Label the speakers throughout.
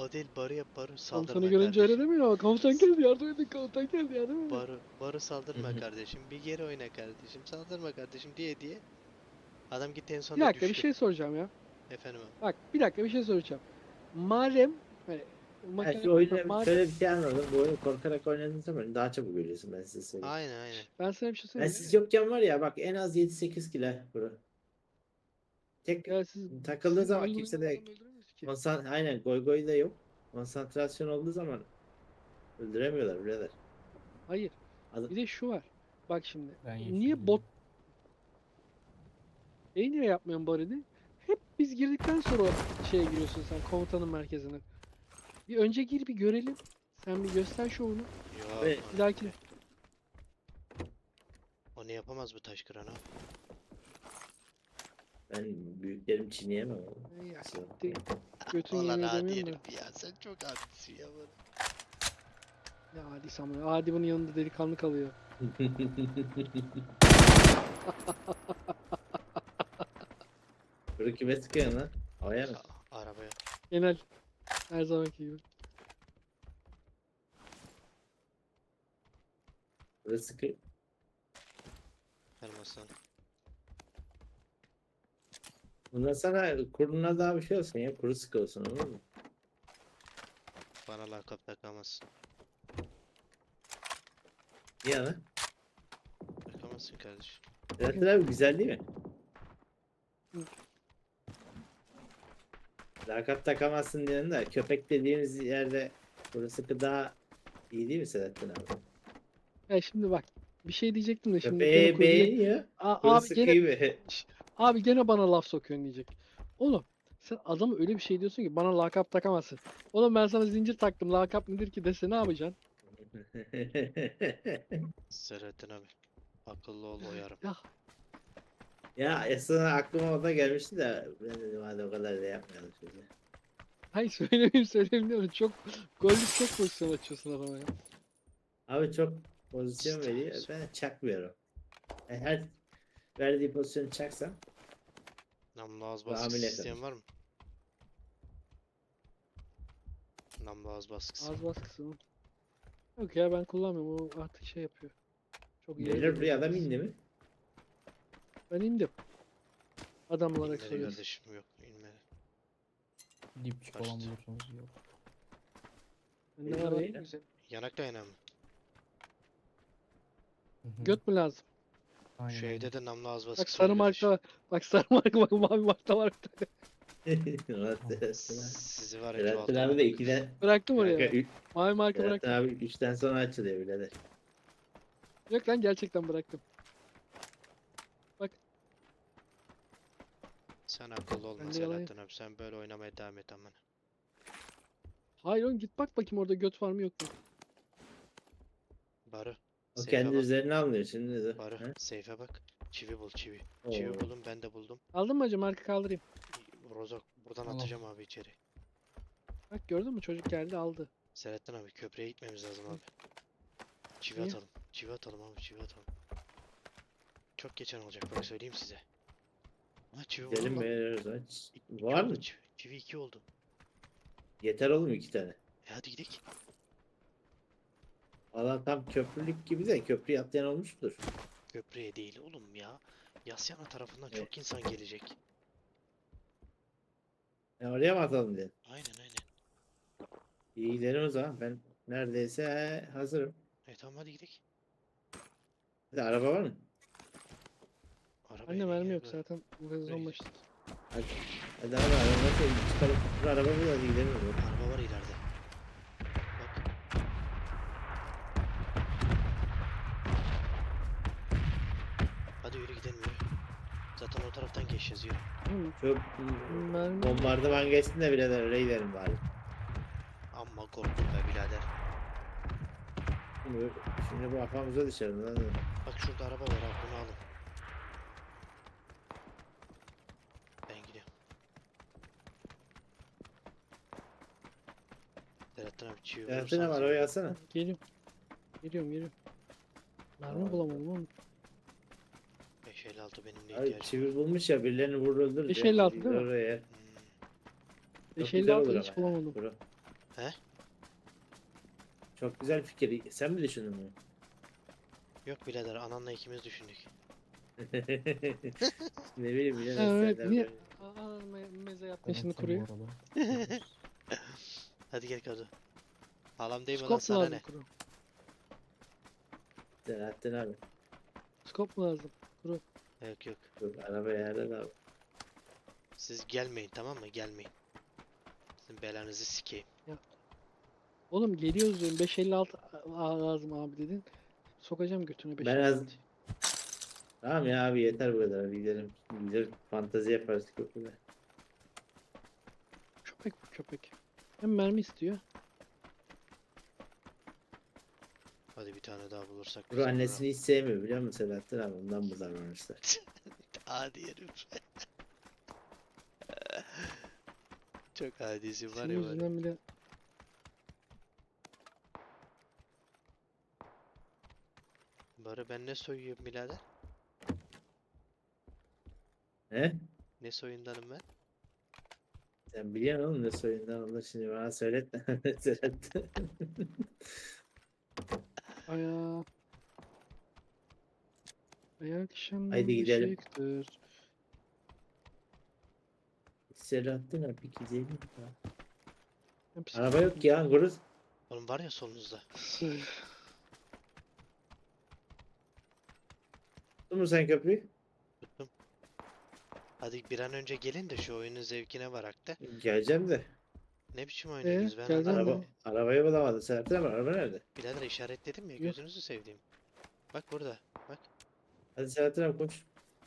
Speaker 1: O değil, barı yap, barı
Speaker 2: Komutanı
Speaker 1: saldırma
Speaker 2: görünce öyle
Speaker 1: kardeşim.
Speaker 2: demiyor. Komutan geldi yardım edin, komutan geldi yardım edin.
Speaker 1: Barı saldırma kardeşim. Bir geri oyna kardeşim. Saldırma kardeşim diye diye. Adam gitti en
Speaker 2: Bir
Speaker 1: sonunda
Speaker 2: dakika bir
Speaker 1: düştü.
Speaker 2: şey soracağım ya.
Speaker 1: Efendim abi.
Speaker 2: Bak bir dakika bir şey soracağım. Madem hani
Speaker 3: Ha,
Speaker 2: makine
Speaker 3: şu
Speaker 2: komutan
Speaker 3: oyunu
Speaker 2: madem
Speaker 3: şöyle bir şey anladım. Bu oyunu korkarak oynadığın zaman daha çabuk ölüyorsun, ben size söyleyeyim.
Speaker 1: Aynen aynen.
Speaker 2: ben sana bir şey
Speaker 3: Ben
Speaker 2: söyleyeyim mi?
Speaker 3: siz yokken var ya bak, en az 7-8 kilo bro. Tek
Speaker 2: Ya siz
Speaker 3: takıldığı
Speaker 2: sizi
Speaker 3: zaman
Speaker 2: goy
Speaker 3: kimse
Speaker 2: goyla
Speaker 3: de
Speaker 2: adam öldüremiyoruz ki.
Speaker 3: aynen goy goy da yok. Konsantrasyon olduğu zaman öldüremiyorlar birader.
Speaker 2: Hayır.
Speaker 3: Adam,
Speaker 2: Bir de şu var. Bak şimdi.
Speaker 4: Ben
Speaker 2: Niye bot niye yapmıyorsun Barını? Hep biz girdikten sonra şeye giriyorsun sen komutanın merkezine. Bir önce gir bir görelim. Sen bir göster şovunu.
Speaker 1: Yok.
Speaker 3: Ve-
Speaker 2: Bir dahaki
Speaker 1: Onu yapamaz bu taş kıran abi.
Speaker 3: ben büyüklerim çiğneyemem oğlum.
Speaker 2: ya
Speaker 3: Kusura
Speaker 2: siktir.
Speaker 3: bakmayın.
Speaker 2: Götün
Speaker 1: Ulan
Speaker 2: yemeği
Speaker 1: adi
Speaker 2: demiyorum da.
Speaker 1: herif ya. Sen çok adisin ya bana.
Speaker 2: Ya Adi Samuel. Adi bunun yanında delikanlı kalıyor.
Speaker 3: Bunu kime sıkıyorsun lan? Havaya mı?
Speaker 1: Arabaya.
Speaker 2: Genel. Her zamanki gibi.
Speaker 3: Burası sıkıyor.
Speaker 1: Benim aslanım.
Speaker 3: Bundan sana kuruna daha bir şey olsun ya. Kuru sıkı olsun, olur mu?
Speaker 1: Bana lakap takamazsın.
Speaker 3: Niye lan?
Speaker 1: Takamazsın kardeşim.
Speaker 3: Zaten abi güzel değil mi?
Speaker 2: Hı.
Speaker 3: Lakap takamazsın diyelim de köpek dediğimiz yerde kuru sıkı daha iyi değil mi Selahattin abi?
Speaker 2: Ya şimdi bak. Bir şey diyecektim de şimdi gene
Speaker 3: Köpeği
Speaker 2: kurguya...
Speaker 3: beğeniyor. Kuru
Speaker 2: Abi gene
Speaker 3: sıkıyı be.
Speaker 2: abi gene bana laf sokuyorsun diyecek. Oğlum sen adama öyle bir şey diyorsun ki bana lakap takamazsın. Oğlum ben sana zincir taktım. Lakap nedir ki dese ne yapacaksın?
Speaker 1: Selahattin abi. Akıllı ol oyarım.
Speaker 2: Ya
Speaker 3: Ya aslında aklıma o da gelmişti de ben dedim hadi o kadar da yapmayalım şimdi.
Speaker 2: hayır söylemeyeyim diyorum. Çok gollük çok pozisyon açıyorsun adama ya.
Speaker 3: Abi çok pozisyon veriyor. Ben çakmıyorum. Her verdiği pozisyonu çaksam
Speaker 1: Namlu ağız
Speaker 3: Bu
Speaker 1: baskısı
Speaker 3: hamile
Speaker 1: isteyen
Speaker 3: kalır.
Speaker 1: var mı? Namlu ağız baskısı.
Speaker 2: Az baskısı mı? Yok ya ben kullanmıyorum. O artık şey yapıyor. Çok iyi.
Speaker 3: gelir buraya adam indi mi?
Speaker 2: Ben indim. Adam olarak
Speaker 1: İnmedi
Speaker 2: soruyorsun.
Speaker 1: kardeşim, yok inmedi.
Speaker 4: dipçik olan
Speaker 1: Kaçtı.
Speaker 4: bulursunuz yok.
Speaker 2: Bende
Speaker 3: İndim
Speaker 2: var abi,
Speaker 3: değil.
Speaker 2: güzel.
Speaker 1: Yanak dayanan mı?
Speaker 4: Hı hı.
Speaker 2: Göt mü lazım?
Speaker 4: Aynen
Speaker 1: Şu
Speaker 4: öyle.
Speaker 1: evde de namlu ağız
Speaker 2: Bak
Speaker 1: baskısı
Speaker 2: sarı
Speaker 1: var
Speaker 2: marka
Speaker 1: kardeşim.
Speaker 2: var. Bak sarı marka bak mavi marka var bir tane.
Speaker 3: Ulan Selahattin abi.
Speaker 1: Sizi var ya
Speaker 3: Selahattin
Speaker 1: çoğaltırım.
Speaker 3: abi de 2'den
Speaker 2: Bıraktım
Speaker 3: Kanka,
Speaker 2: oraya. Mavi marka
Speaker 3: Selahattin
Speaker 2: bıraktım.
Speaker 3: abi 3'ten sonra açılıyor birader.
Speaker 2: Yok lan gerçekten bıraktım.
Speaker 1: Sen akıllı olma
Speaker 2: Bende yalan yok.
Speaker 1: Selahattin abi. Sen böyle oynamaya devam et aman.
Speaker 2: Hayır oğlum git bak bakayım orada göt var mı yok mu?
Speaker 1: Barı.
Speaker 3: O
Speaker 1: Seyfe
Speaker 3: kendi
Speaker 1: bak.
Speaker 3: üzerine almıyor şimdi de.
Speaker 1: Barı.
Speaker 3: Ha?
Speaker 1: Seyfe bak. Çivi bul çivi.
Speaker 3: Oo.
Speaker 1: Çivi buldum, ben de buldum.
Speaker 2: Aldın mı hacı marka kaldırayım.
Speaker 1: Rozok buradan
Speaker 4: Tamam.
Speaker 1: atacağım abi içeri.
Speaker 2: Bak gördün mü çocuk geldi aldı.
Speaker 1: Selahattin abi köprüye gitmemiz lazım abi. Çivi
Speaker 2: Niye?
Speaker 1: atalım. Çivi atalım abi, çivi atalım. Çok geçen olacak bak, söyleyeyim size. Ha çivi buldum
Speaker 3: Gidelim
Speaker 1: lan.
Speaker 3: veriyoruz ha.
Speaker 1: İki
Speaker 3: Var
Speaker 1: oldu
Speaker 3: mı?
Speaker 1: Çivi, çivi 2 oldu.
Speaker 3: Yeter oğlum 2 tane.
Speaker 1: Hadi gidelim.
Speaker 3: Valla tam köprülük gibi de köprüye atlayan olmuştur.
Speaker 1: Köprüye değil oğlum ya. Yasyana tarafından
Speaker 3: Evet.
Speaker 1: çok insan gelecek.
Speaker 3: Ya oraya mı atalım diye.
Speaker 1: Aynen aynen.
Speaker 3: İyi gidelim o zaman. Ben neredeyse hazırım.
Speaker 1: Tamam hadi gidelim.
Speaker 3: Hadi araba var mı?
Speaker 1: Arabaya
Speaker 2: Anne
Speaker 1: ne
Speaker 2: mermi
Speaker 1: gerek
Speaker 2: yok
Speaker 1: var?
Speaker 2: zaten. Bu sezon başladı.
Speaker 3: Hadi. Hadi abi araba çıkalım. Dur araba bul hadi gidelim.
Speaker 1: Araba var ileride. Bak. Hadi yürü gidelim yürü. Zaten o taraftan geçeceğiz yürü.
Speaker 2: Hı,
Speaker 3: Çok
Speaker 2: mermi.
Speaker 3: bombardıman geçsin de birader öyle gidelim bari.
Speaker 1: Amma korktum be birader.
Speaker 3: Şimdi bu kafamıza dışarı lan.
Speaker 1: Bak şurada araba var abi, bunu alın. Ben gidiyorum. Selahattin abi çivi
Speaker 3: Selahattin abi
Speaker 1: bulursanız
Speaker 3: arabayı
Speaker 1: yürü.
Speaker 3: alsana.
Speaker 2: Geliyorum. Geliyorum. Mermi
Speaker 3: Tamam.
Speaker 2: bulamadım oğlum.
Speaker 1: 556 benim de
Speaker 3: Abi
Speaker 1: ihtiyacım var.
Speaker 3: çivir bulmuş ya birilerini vurur öldürür.
Speaker 2: 556 değil mi?
Speaker 1: Hmm.
Speaker 3: Oraya. Çok
Speaker 2: 556
Speaker 3: güzel olur
Speaker 2: hiç
Speaker 3: ama.
Speaker 2: bulamadım.
Speaker 3: Bro.
Speaker 1: He?
Speaker 3: Çok güzel fikir. Sen mi düşündün bunu?
Speaker 1: Yok birader ananla ikimiz düşündük.
Speaker 3: Ne bileyim birader
Speaker 2: Evet,
Speaker 3: senden
Speaker 2: niye?
Speaker 3: böyle.
Speaker 2: Meze yapma
Speaker 4: Ben
Speaker 2: şimdi
Speaker 4: atayım
Speaker 2: kuruyor.
Speaker 4: bu arada. Yapıyoruz.
Speaker 1: Hadi gel Kadı. Halam değil mi lan
Speaker 2: Skop mu
Speaker 1: sana
Speaker 2: lazım
Speaker 1: ne?
Speaker 2: kuru?
Speaker 3: Selahattin abi.
Speaker 2: Skop mu lazım?
Speaker 1: Yok yok.
Speaker 3: Dur araba yerde de abi.
Speaker 1: Siz gelmeyin tamam mı? Gelmeyin. Sizin belanızı sikeyim.
Speaker 2: Oğlum geliyoruz diyorum 556 lazım abi dedin. Sokacağım götüne
Speaker 3: Ben az...
Speaker 2: 556.
Speaker 3: Tamam ya abi yeter bu kadar. Bir gidelim. Gidelim. Fantezi yaparız köprüde.
Speaker 2: Köpek bu köpek. Hem mermi istiyor.
Speaker 1: Hadi bir tane daha bulursak
Speaker 3: Kuru
Speaker 1: bize
Speaker 3: annesini hiç sevmiyor biliyor musun Selahattin abi? Ondan bu davranışlar.
Speaker 1: Adi herif. Çok adisin var
Speaker 2: Senin
Speaker 1: ya var ya.
Speaker 2: yüzünden bile
Speaker 1: Bari ben ne soyuyorum birader?
Speaker 3: He?
Speaker 1: Ne soyundanım ben?
Speaker 3: Sen biliyorsun oğlum ne soyundan onu şimdi bana söyletme. Selahattin.
Speaker 2: ayağa ayak şanlı
Speaker 3: Haydi gidelim.
Speaker 2: ışıktır.
Speaker 3: Selahattin abi gidelim.
Speaker 2: Hem
Speaker 3: Araba yok ki ya Guruz.
Speaker 1: Oğlum var ya solunuzda.
Speaker 3: Tuttun mu sen köprüyü?
Speaker 1: Tuttum. Hadi bir an önce gelin de şu oyunun zevkine varak da.
Speaker 3: Geleceğim de.
Speaker 1: Ne biçim oynuyorsunuz ben
Speaker 2: geleceğim
Speaker 1: anlamadım.
Speaker 3: Arabayı bulamadım. Selahattin abi araba nerede?
Speaker 1: Birader işaretledim ya
Speaker 2: Yok.
Speaker 1: gözünüzü sevdiğim. Bak burada. Bak.
Speaker 3: Hadi Selahattin abi koş.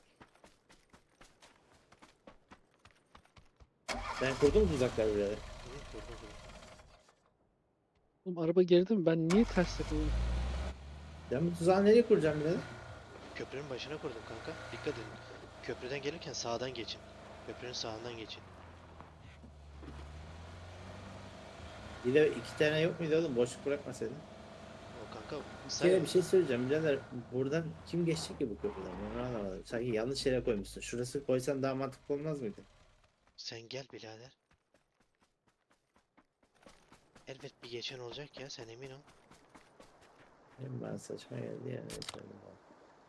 Speaker 3: Sen kurdun mu tuzakları birader?
Speaker 1: Hı, kurdum kurdum.
Speaker 2: Oğlum araba geride mi? Ben niye ters takıldım?
Speaker 3: Ben bu tuzağı nereye kuracağım birader?
Speaker 1: Köprünün başına kurdum kanka. Dikkat edin. Köprüden gelirken sağdan geçin. Köprünün sağından geçin.
Speaker 3: Bir de iki tane yok muydu oğlum? Boşluk bırakmasaydın.
Speaker 1: O kanka
Speaker 3: Bir kere bir şey söyleyeceğim birader. Buradan kim geçecek ki bu köprüden? Onu anlamadım. Sanki yanlış yere koymuşsun. Şurası koysan daha mantıklı olmaz mıydı?
Speaker 1: sen gel birader. Elbet bir geçen olacak ya sen emin ol.
Speaker 3: Hem bana saçma geldi yani. Neyse, hadi bakalım.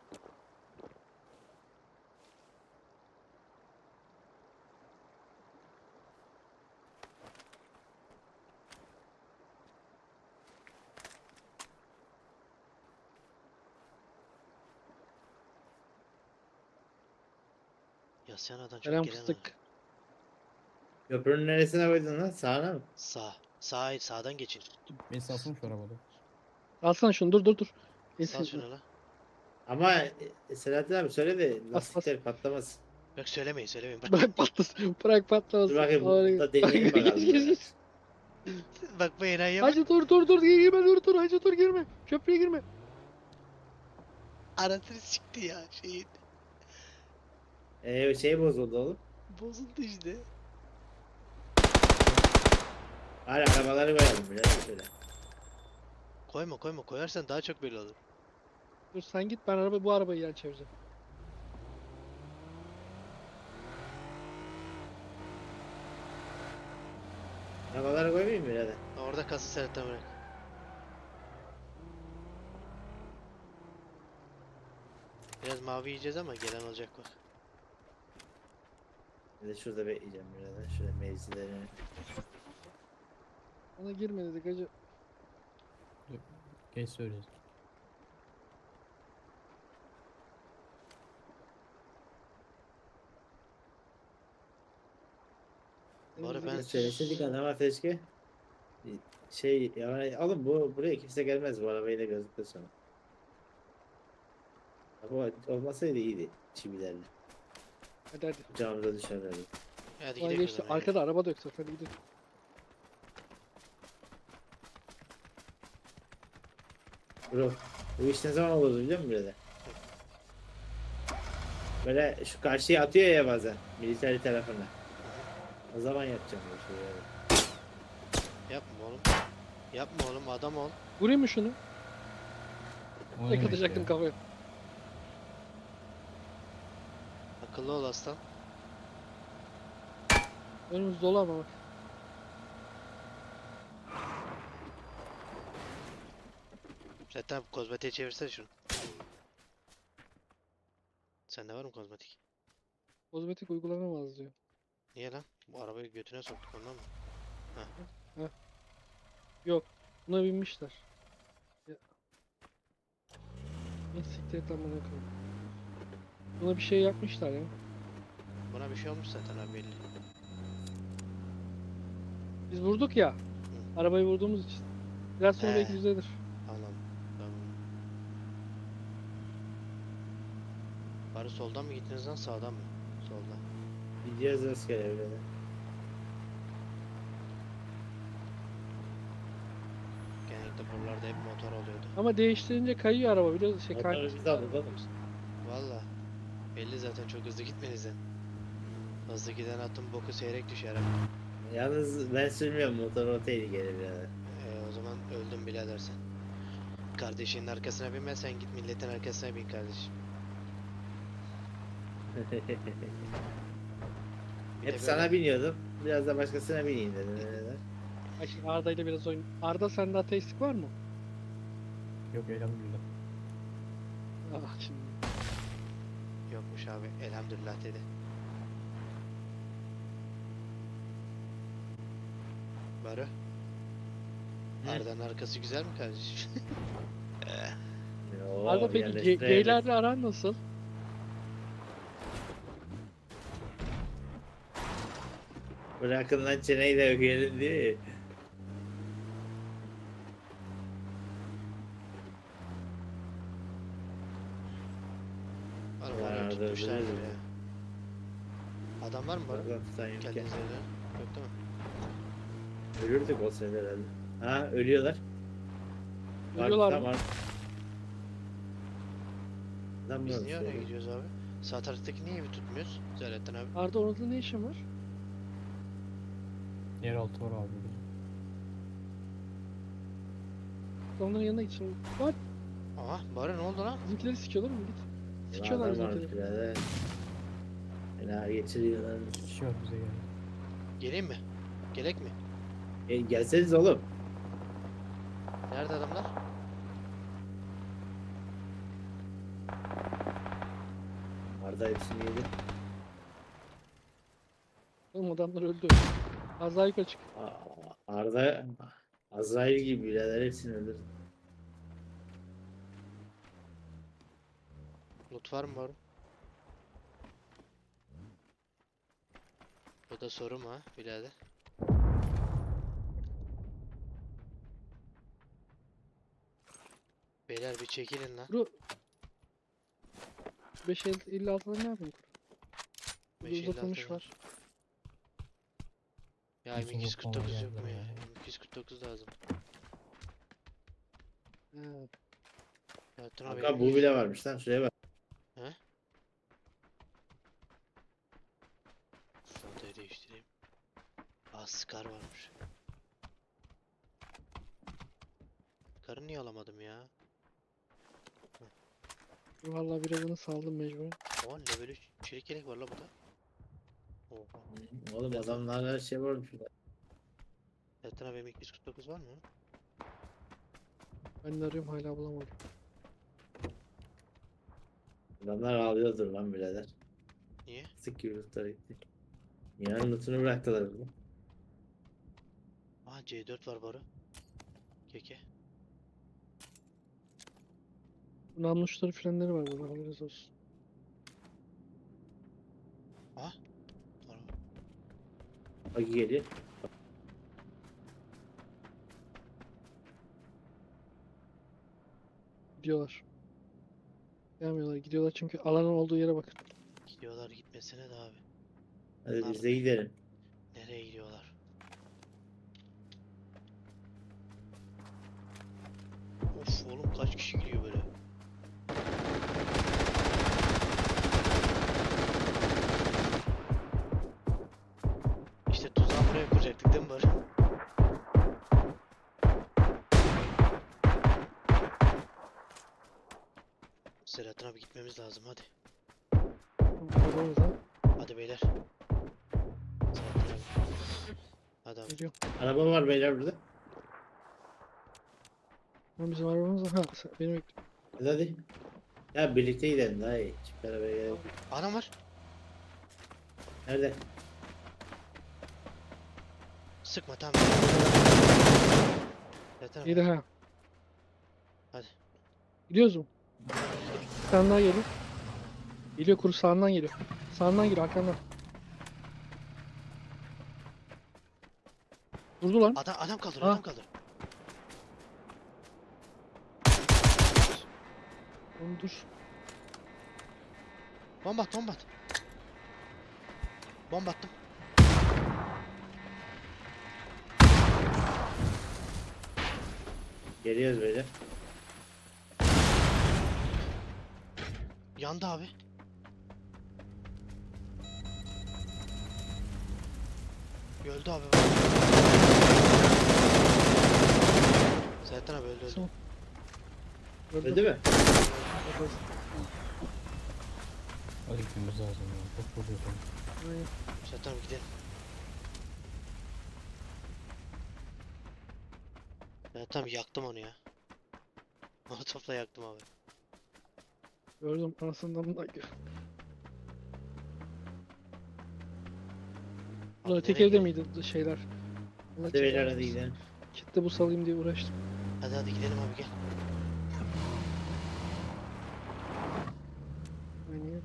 Speaker 1: Yasyanadan çok
Speaker 2: Eren
Speaker 1: gelen var.
Speaker 2: fıstık.
Speaker 3: Köprünün neresine koydun lan? Sağına mı?
Speaker 1: Sağ. Sağ sağdan geçin.
Speaker 4: Beni salsana şu arabada.
Speaker 2: Alsana şunu dur.
Speaker 1: Sal
Speaker 2: Neyse.
Speaker 1: şunu la.
Speaker 3: Ama Selahattin abi söyle de
Speaker 2: Bas, bas.
Speaker 3: lastikler patlamasın.
Speaker 1: Yok söylemeyin söylemeyin. Bak,
Speaker 2: Bırak patlasın. Bırak patlamasın.
Speaker 3: Dur bakayım
Speaker 2: Oraya-
Speaker 3: burada deneyelim bakalım.
Speaker 2: Geç, geç,
Speaker 3: birader.
Speaker 2: geç.
Speaker 1: bak bu enayiye bak.
Speaker 2: Hacı dur girme dur hacı dur girme. Köprüye girme.
Speaker 1: Anasını sikti ya şeyin.
Speaker 3: Şey bozuldu oğlum.
Speaker 1: Bozuldu işte.
Speaker 3: Hadi arabaları koyalım birader şöyle.
Speaker 1: Koyma koyarsan daha çok belli olur.
Speaker 2: Dur sen git ben bu arabayı yan çevireceğim.
Speaker 3: Arabaları koymayayım mı birader?
Speaker 1: Orada kası seletten bırak. Biraz mavi yiyeceğiz ama gelen olacak bak.
Speaker 3: Bir de şurada bekleyeceğim birader. Şöyle mevzilerini.
Speaker 2: Ona girme dedik hacı.
Speaker 4: Geç söyleyeceğiz.
Speaker 1: Bu ara ben
Speaker 3: Söyleseydik adama keşke. Şey yani oğlum buraya kimse gelmez bu arabayla gözüküyor sonra. Bu olmasaydı iyiydi çivilerle.
Speaker 2: Hadi.
Speaker 3: Camımıza düşerlerdi.
Speaker 1: hadi
Speaker 2: Ulan
Speaker 1: gidelim o
Speaker 2: geçti.
Speaker 1: zaman.
Speaker 2: Arkada araba da yok zaten hadi gidelim.
Speaker 3: Bro bu iş ne zaman olur biliyor musun birader? Böyle şu karşıya atıyor ya bazen militeri tarafına. O zaman yapacağım bu şeyi. Yani.
Speaker 1: Yapma oğlum. Yapma oğlum adam ol.
Speaker 2: Vurayım mı şunu?
Speaker 4: O ne
Speaker 2: Tek
Speaker 4: demek
Speaker 2: atacaktım
Speaker 4: ya?
Speaker 2: kafaya.
Speaker 1: Akıllı ol aslan.
Speaker 2: Önümüz dolu ama bak.
Speaker 1: Zaten kozmetiğe çevirsene şunu. Sende var mı kozmetik?
Speaker 2: Kozmetik uygulanamaz diyor.
Speaker 1: Niye lan? Bu arabayı götüne soktuk ondan mı?
Speaker 2: Yok. Buna binmişler. Ya. Ne siktir et lan bana koyayım. Buna bir şey yapmışlar ya.
Speaker 1: Buna bir şey olmuş zaten abi belli.
Speaker 2: Biz vurduk ya. Arabayı vurduğumuz için. Biraz sonra belki
Speaker 1: He.
Speaker 2: düzelir.
Speaker 1: Anladım. Tamam. Bari soldan mı gittiniz lan sağdan mı? Soldan.
Speaker 3: Gideceğiz rastgele birader.
Speaker 1: Genellikle buralarda hep motor oluyordu.
Speaker 2: Ama değiştirince kayıyor araba. Biliyorsun şey
Speaker 3: Motoru
Speaker 2: kay.
Speaker 3: biz aldık oğlum.
Speaker 1: Valla. Belli zaten çok hızlı gitmenizden. Hızlı giden atın boku seyrek düşer ha.
Speaker 3: Yalnız ben sürmüyorum motor, o tehlikeli birader.
Speaker 1: O zaman öldüm birader sen. Kardeşinin arkasına binme, sen git milletin arkasına bin kardeşim. Bir de
Speaker 3: Hep sana
Speaker 1: böyle-
Speaker 3: biniyordum. Biraz da başkasına bineyim dedim birader.
Speaker 2: Ay şimdi Arda ile biraz oyun. Arda sende ateistlik var mı?
Speaker 4: Yok elhamdülillah.
Speaker 2: Ah şimdi.
Speaker 1: Yokmuş abi, elhamdülillah dedi. Baro,
Speaker 3: Hı.
Speaker 1: Arda'nın arkası güzel mi kardeşim?
Speaker 3: Oo,
Speaker 2: Arda peki
Speaker 3: yerleştirelim.
Speaker 2: geylerle aran nasıl?
Speaker 3: Bırakın lan çeneyi de ögeyelim değil mi?
Speaker 1: Var
Speaker 3: Ya,
Speaker 1: var,
Speaker 3: Arda
Speaker 1: tutmuşlardır
Speaker 3: öldürür
Speaker 1: ya. Adam var mı Baro?
Speaker 3: Oradan tutan yok ya.
Speaker 1: Kendinize öyle. Yok değil mi?
Speaker 3: Ölürdük o sefer herhalde. Ha, ölüyorlar. Var,
Speaker 2: Ölüyorlar mı?
Speaker 3: tamam. Adam
Speaker 1: Biz
Speaker 3: mı
Speaker 1: niye oraya
Speaker 3: söylüyor?
Speaker 1: gidiyoruz abi? Sağ taraftaki niye evi tutmuyoruz? Zaten abi.
Speaker 2: Arda orada ne işin var?
Speaker 4: Yeraltı var abi. bizim.
Speaker 2: Onların yanına git şimdi. Var.
Speaker 1: Aha, Baro ne oldu lan?
Speaker 2: Bizimkileri sikiyorlar mı? Git.
Speaker 3: Ulan
Speaker 2: Sikiyorlar
Speaker 3: adam varmış
Speaker 2: bizimkileri.
Speaker 3: birader. Fena geçiriyorlar.
Speaker 4: Kişi var bize geldi.
Speaker 1: Geleyim mi? Gerek mi?
Speaker 3: Gelseniz oğlum.
Speaker 1: Nerede adamlar?
Speaker 3: Arda hepsini yedi.
Speaker 2: Oğlum adamlar öldü. Az daha yukarı çık.
Speaker 3: Arda Azrail gibi birader hepsini öldürdü.
Speaker 1: Loot var mı Baro? Bu da soru mu ha birader? Beyler bir çekilin lan.
Speaker 2: Bro. 556'da ne yapayım? Burada
Speaker 1: 556
Speaker 2: uzatılmış
Speaker 1: var.
Speaker 2: var.
Speaker 1: Ya
Speaker 4: Nasıl
Speaker 1: M249
Speaker 4: lootlamaya
Speaker 1: yok mu
Speaker 4: geldiler
Speaker 1: ya?
Speaker 4: ya?
Speaker 1: M249 lazım.
Speaker 2: He.
Speaker 1: Ya Tuna
Speaker 3: Kanka bu bile varmış lan, şuraya bak.
Speaker 1: Fotoyu değiştireyim. Aa, Scar varmış. Scar'ı niye alamadım ya?
Speaker 2: Vallahi birazını saldım mecburen.
Speaker 1: O level 3 çelik yelek var la burada. Oha.
Speaker 3: Oğlum adamlar her şey varmış.
Speaker 1: Zaten abi M249 var mı?
Speaker 2: Ben de arıyorum hala bulamadım.
Speaker 3: Adamlar ağlıyordur lan birader.
Speaker 1: Niye?
Speaker 3: Sık gibi lootlara gitti. Yarın lootunu bıraktılar oğlum.
Speaker 1: Aa C4 var Baro. Keke.
Speaker 2: Namluçları frenleri var burada haberiniz olsun.
Speaker 1: Aa. Var.
Speaker 3: Bagi geliyor.
Speaker 2: Gidiyorlar. Gelmiyorlar gidiyorlar çünkü alanın olduğu yere bakın.
Speaker 1: Gidiyorlar gitmesine de abi.
Speaker 3: Hadi
Speaker 1: Bunlar
Speaker 3: biz de gidelim.
Speaker 1: nereye gidiyorlar? Of oğlum kaç kişi gidiyor böyle? İşte tuzağı buraya kuracaktık değil mi Barış? Selahattin abi gitmemiz lazım hadi.
Speaker 2: Arabamıza
Speaker 1: Hadi beyler. Selahattin abi. Hadi abi.
Speaker 2: geliyor.
Speaker 3: Araba var beyler burada.
Speaker 2: Ama bizim arabamız var. Ha benim
Speaker 3: Hadi. Ya birlikte gidelim daha iyi. Çift beraber gidelim.
Speaker 1: Adam var.
Speaker 3: Nerede?
Speaker 1: Sıkma tamam. Yeter
Speaker 2: iyiydi
Speaker 1: abi.
Speaker 2: ha.
Speaker 1: Hadi.
Speaker 2: Gidiyoruz mu? Bir tane daha geliyor. Geliyor kuru sağından geliyor. Sağından geliyor arkandan. Durdu lan.
Speaker 1: Adam kaldır,
Speaker 2: Ha.
Speaker 1: adam kaldır.
Speaker 2: Oğlum dur.
Speaker 1: Bomba at, bomba at. Bomba attım.
Speaker 3: Geliyoruz böyle.
Speaker 1: Yandı abi. Öldü abi. Sertan abi öldü.
Speaker 2: Tamam. Öldü.
Speaker 3: Öldü mü?
Speaker 4: Hadi gitmemiz lazım ya. Çok vuruyorsun.
Speaker 2: Aynen.
Speaker 1: Sertan abi gidelim. Sertan abi yaktım onu ya. Molotofla yaktım abi.
Speaker 2: Gördüm anasından da. Ulan
Speaker 1: Abi
Speaker 2: öteki
Speaker 1: nereye
Speaker 2: evde
Speaker 1: gidelim?
Speaker 2: miydi şeyler? Allah
Speaker 3: Hadi beyler
Speaker 2: cezanı
Speaker 3: hadi
Speaker 2: versin.
Speaker 3: gidelim.
Speaker 2: Kitle bu salayım diye uğraştım.
Speaker 1: Hadi gidelim abi gel.
Speaker 2: Aynen.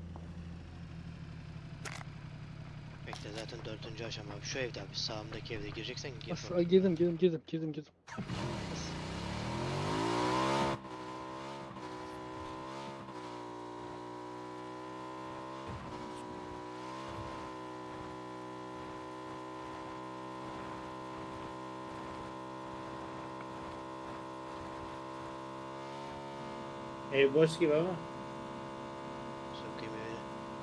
Speaker 1: Bekle zaten 4. aşama abi. Şu evde abi. Sağımdaki evde gireceksen gir.
Speaker 2: As girdim. As.
Speaker 3: Ev boş gibi ama.
Speaker 1: Sokayım evine.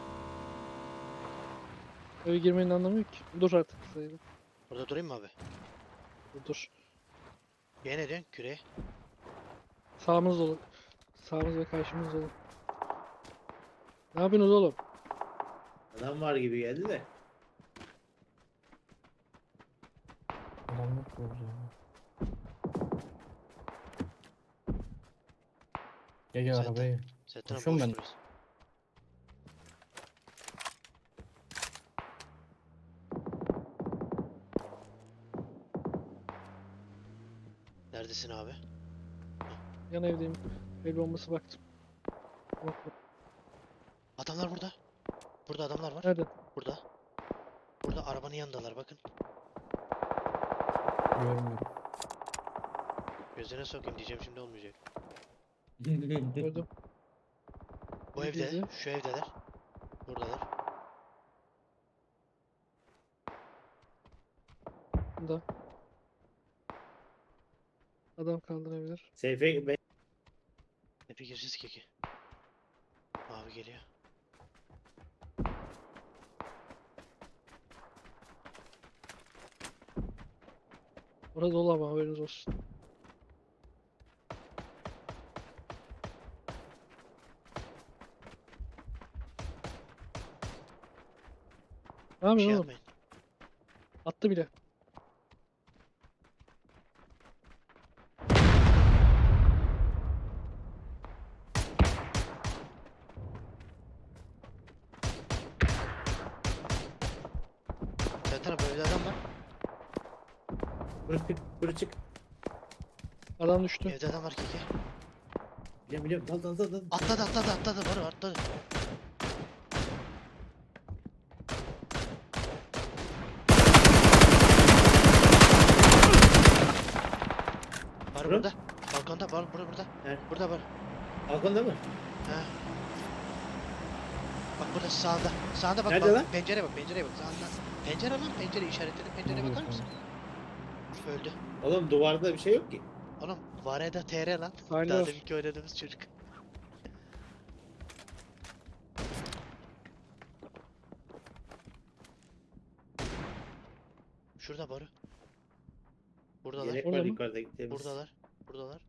Speaker 2: Eve girmenin anlamı yok ki. Dur artık sayılır.
Speaker 1: Burada durayım mı abi?
Speaker 2: Dur.
Speaker 1: Yine ne diyorsun? Küreye.
Speaker 2: Sağımız dolu. Sağımız ve karşımız dolu. Ne yapıyorsunuz oğlum?
Speaker 3: Adam var gibi geldi de.
Speaker 4: Adam yok burada ya. Gel
Speaker 1: Zaten-
Speaker 4: arabaya.
Speaker 1: Sertan abi
Speaker 4: Koşuyorum
Speaker 1: boş
Speaker 4: ben.
Speaker 1: burası. Neredesin abi?
Speaker 2: Yan evdeyim. El bombası baktım. Bak, bak.
Speaker 1: Adamlar burada. Burada adamlar var.
Speaker 2: Nerede?
Speaker 1: Burada. Burada arabanın yanındalar bakın.
Speaker 4: Görmüyorum.
Speaker 1: Gözlerine sokayım diyeceğim şimdi olmayacak.
Speaker 2: Gördüm.
Speaker 1: Bu
Speaker 2: Ne
Speaker 1: evde,
Speaker 2: dedi?
Speaker 1: şu evdeler. Buradalar.
Speaker 2: Bunda. Adam kaldırabilir.
Speaker 3: Seyfe ben
Speaker 1: Hepi gireceğiz keki. Abi geliyor.
Speaker 2: Orada dolu ama haberiniz olsun. Ne
Speaker 1: Bir şey
Speaker 2: yapıyorsun oğlum?
Speaker 1: yapmayın.
Speaker 2: Attı bile.
Speaker 1: Sertan abi evde adam var.
Speaker 3: Buraya çık.
Speaker 2: Adam düştü.
Speaker 1: Evde adam var keki.
Speaker 3: Biliyorum dal.
Speaker 1: Atladı Barı atladı. Barı
Speaker 3: Bura?
Speaker 1: burada. Balkonda Barı burada.
Speaker 3: Nerede?
Speaker 1: Burada Barı.
Speaker 3: Balkonda mı?
Speaker 1: He. Bak burada sağında. Sağında bak.
Speaker 3: Nerede
Speaker 1: bak.
Speaker 3: lan?
Speaker 1: Pencereye bak sağında. Pencere lan pencere işaretledim. Pencereye bakar mısın? Öldü.
Speaker 3: Oğlum duvarda bir şey yok ki.
Speaker 1: Oğlum Vareda TR lan.
Speaker 2: Sahne
Speaker 1: Daha
Speaker 2: var.
Speaker 1: deminki oynadığımız çocuk. Şurada Barı. Buradalar.
Speaker 3: Yelek
Speaker 2: Orada
Speaker 3: var
Speaker 2: mı?
Speaker 3: yukarıda gittiğimiz.
Speaker 1: Buradalar.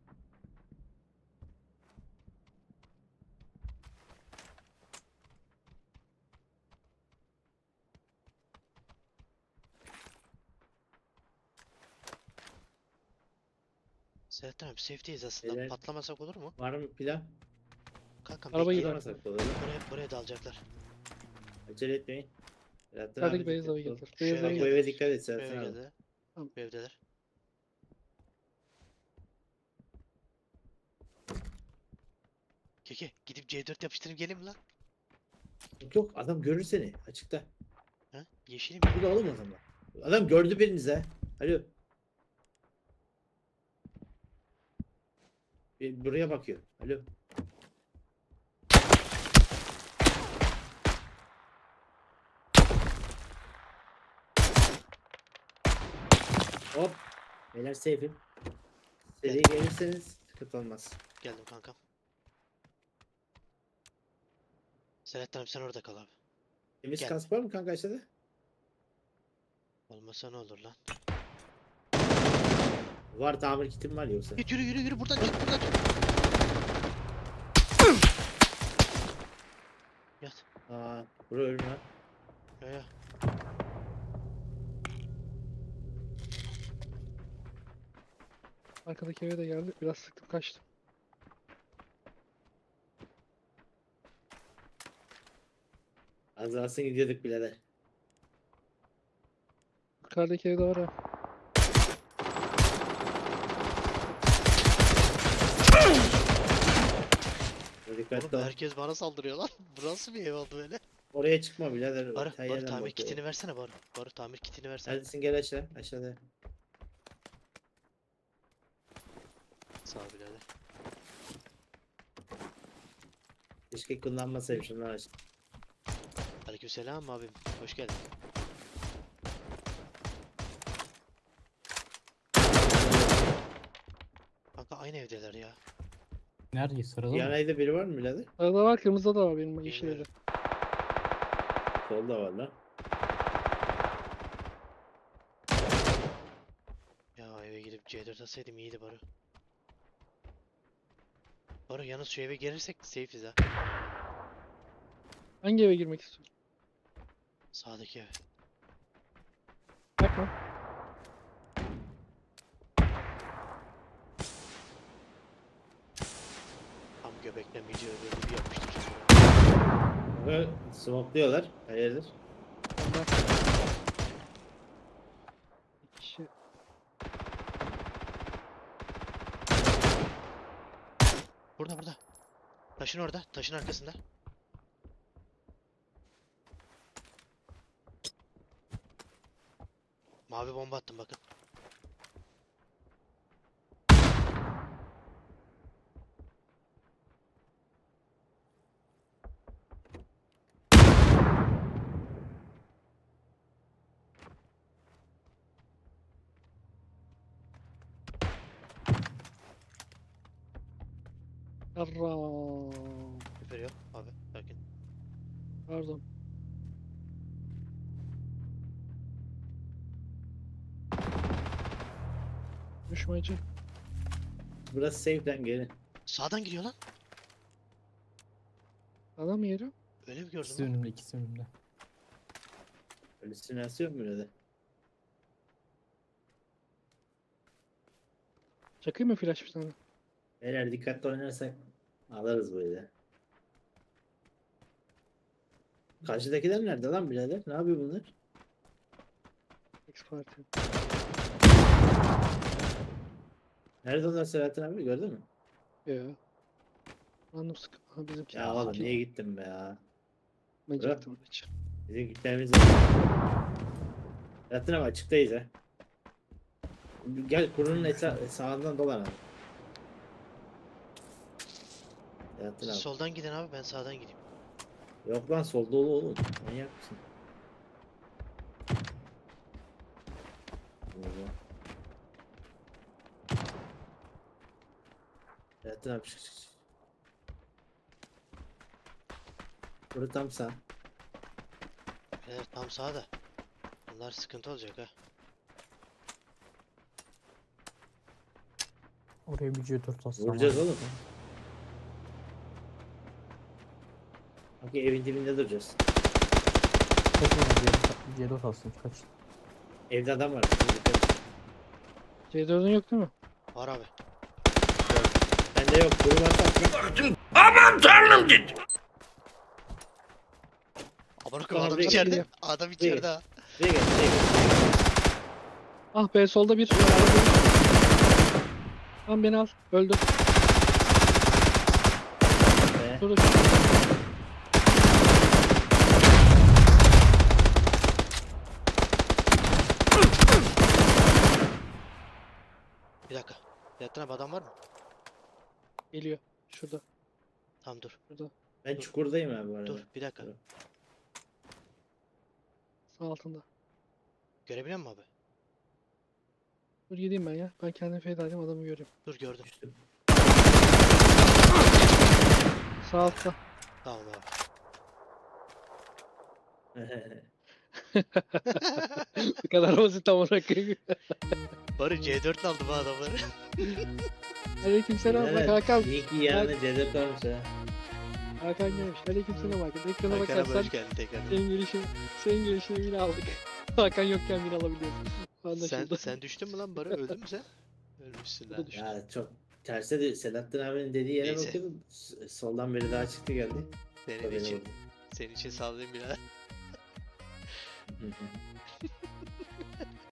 Speaker 1: Selahattin abi safe'deyiz aslında.
Speaker 3: Beyler.
Speaker 1: Patlamasak olur mu?
Speaker 3: Var mı plan?
Speaker 1: Kankam
Speaker 2: Araba
Speaker 1: bekleyin.
Speaker 2: gider.
Speaker 3: Atamasak da olur.
Speaker 1: Buraya dalacaklar.
Speaker 3: Acele etmeyin. Selahattin
Speaker 2: Yukarıdaki
Speaker 3: abi
Speaker 2: beyaz
Speaker 3: dikkat
Speaker 2: eve
Speaker 3: ol.
Speaker 2: getir.
Speaker 1: Şu
Speaker 2: Beyaz
Speaker 1: eve
Speaker 2: eve
Speaker 3: Bak bu
Speaker 2: getir.
Speaker 3: eve dikkat et
Speaker 1: Şu
Speaker 3: Selahattin
Speaker 1: eve
Speaker 3: abi.
Speaker 1: geldiler.
Speaker 2: Tamam.
Speaker 1: Bu evdeler. Keke gidip C4 yapıştırıp gelin mi lan?
Speaker 3: Yok yok adam görür seni açıkta.
Speaker 1: Ha? Yeşilim.
Speaker 3: Bu da oğlum o zaman. Adam gördü birinizi ha. Alo. Buraya bakıyor. Alo. Hop. Beyler safe'im. Seri gelirseniz sıkıntı olmaz.
Speaker 1: Geldim kankam. Selahattin abi sen orada kal abi.
Speaker 3: Temiz
Speaker 1: Gel.
Speaker 3: kask var mı kanka aşağıda?
Speaker 1: Olmasa ne olur lan?
Speaker 3: Var tamir kitim var yoksa.
Speaker 1: Git yürü buradan çık buradan çık. Yat.
Speaker 3: Aa, bura ölüm var.
Speaker 1: Ya.
Speaker 2: Arkadaki eve de geldi. Biraz sıktım kaçtım.
Speaker 3: Az kalsın gidiyorduk birader.
Speaker 2: Yukarıdaki evde var ha.
Speaker 3: Dikkatli
Speaker 1: Oğlum
Speaker 3: ol.
Speaker 1: herkes bana saldırıyor lan. Bu nasıl bir ev oldu böyle?
Speaker 3: Oraya çıkma birader.
Speaker 1: Barı
Speaker 3: Her yerden
Speaker 1: tamir
Speaker 3: bakıyor.
Speaker 1: kitini versene Barı. Barı tamir kitini versene.
Speaker 3: Neredesin gel aşağı. Aşağıda.
Speaker 1: Sağ ol birader.
Speaker 3: Keşke kullanmasaydım şunları aç.
Speaker 1: Aleykümselam abim. Hoş geldin. Kanka aynı evdeler ya.
Speaker 4: Nerede? Sırada mı?
Speaker 3: Yanayda biri var mı birader?
Speaker 2: Arada var, kırmızıda da var benim yeşil evde.
Speaker 1: Bilmiyorum.
Speaker 3: Solda var lan.
Speaker 1: Ya eve gidip C4 atsaydım iyiydi Barı. Barı yalnız şu eve gelirsek safe'iz ha.
Speaker 2: Hangi eve girmek istiyorsun?
Speaker 1: Sağdaki ev.
Speaker 2: Yapma.
Speaker 1: Tam göbekten video böyle bir yapmıştır.
Speaker 3: Böyle smokluyorlar. Hayırdır?
Speaker 2: Onlar. İki kişi.
Speaker 1: Burada. Taşın orada. Taşın arkasında. Mavi bomba attım bakın.
Speaker 2: Yarram.
Speaker 1: Küfür yok abi. Sakin.
Speaker 2: Pardon. Düşmacı.
Speaker 3: Burası safe'den gelin.
Speaker 1: Sağdan gidiyor lan.
Speaker 2: Adam yeri.
Speaker 1: Öyle mi gördün
Speaker 4: İkisi
Speaker 1: lan?
Speaker 4: önümde, ikisi önümde.
Speaker 3: Halüsinasyon mu birader?
Speaker 2: Çakayım mı flash bir tane?
Speaker 3: Beyler dikkatli oynarsak alırız böyle. Karşıdakiler nerede lan birader? Ne yapıyor bunlar?
Speaker 2: X Party.
Speaker 3: Nerede onlar Selahattin abi gördün mü?
Speaker 2: Ya. Anladım sık. Ha bizimki.
Speaker 3: Ya oğlum niye gittin be ya?
Speaker 2: Ben
Speaker 3: bırak.
Speaker 2: gittim hiç.
Speaker 3: Bizim gitmemiz var. Selahattin abi açıktayız ha. Gel kurunun sağından dolan abi. Selahattin
Speaker 1: Siz
Speaker 3: abi.
Speaker 1: soldan gidin abi ben sağdan gideyim.
Speaker 3: Yok lan sol dolu oğlum. Manyak mısın? Burada. Selahattin abi çık. Burası tam sağ.
Speaker 1: Evet tam sağda. Bunlar sıkıntı olacak ha.
Speaker 4: Oraya bir C4 atsam.
Speaker 3: Vuracağız
Speaker 4: var.
Speaker 3: oğlum. Bak evin dibinde duracağız.
Speaker 4: Kaç oğlum C4 atsın kaç.
Speaker 3: Evde adam var. Dikkat et.
Speaker 2: C4'ün yok değil mi?
Speaker 1: Var abi.
Speaker 3: Bende yok. Durum atak.
Speaker 1: Amına koyayım
Speaker 3: Tamam,
Speaker 1: adam
Speaker 3: buraya
Speaker 1: içeride.
Speaker 2: geliyor.
Speaker 1: Adam içeride ha.
Speaker 3: Buraya gel. Buraya gel.
Speaker 2: Ah be solda bir. Tamam beni al. Öldü.
Speaker 3: Be.
Speaker 2: Dur.
Speaker 1: Bir dakika. Yattın abi adam var mı?
Speaker 2: Geliyor. Şurada.
Speaker 1: Tamam dur.
Speaker 3: Ben çukurdayım abi bu arada.
Speaker 1: Dur bir dakika.
Speaker 3: Dur.
Speaker 2: Sağ altında.
Speaker 1: Görebiliyor musun abi?
Speaker 2: Dur gideyim ben ya. Ben kendimi feda edeyim adamı göreyim.
Speaker 1: Dur gördüm.
Speaker 3: Düştüm.
Speaker 2: Sağ altta.
Speaker 1: Tamam abi.
Speaker 2: Bu kadar basit amına koyayım.
Speaker 1: Bari C4 aldım ha adamları.
Speaker 2: Aleykümselam. Bak
Speaker 3: Evet,
Speaker 2: Hakan.
Speaker 3: İyi ki yanına cezet varmış ha.
Speaker 2: Hakan gelmiş. Aleykümselam Hakan. Ekrana
Speaker 1: Hakan abi
Speaker 2: bakarsan
Speaker 1: hoş geldin tekrar.
Speaker 2: senin gelişine bile aldık. Hakan yokken bile alabiliyorsun. Anlaşıldı.
Speaker 1: Sen düştün mü lan Bari? Öldün mü sen? Ölmüşsün
Speaker 2: Bu da
Speaker 1: lan.
Speaker 2: düştü.
Speaker 3: Ya çok terse de Selahattin abinin dediği yere
Speaker 1: Neyse.
Speaker 3: bakıyordum. Soldan biri daha çıktı geldi.
Speaker 1: Senin
Speaker 3: Haberim
Speaker 1: için,
Speaker 3: oldu.
Speaker 1: senin için sağlayayım birader.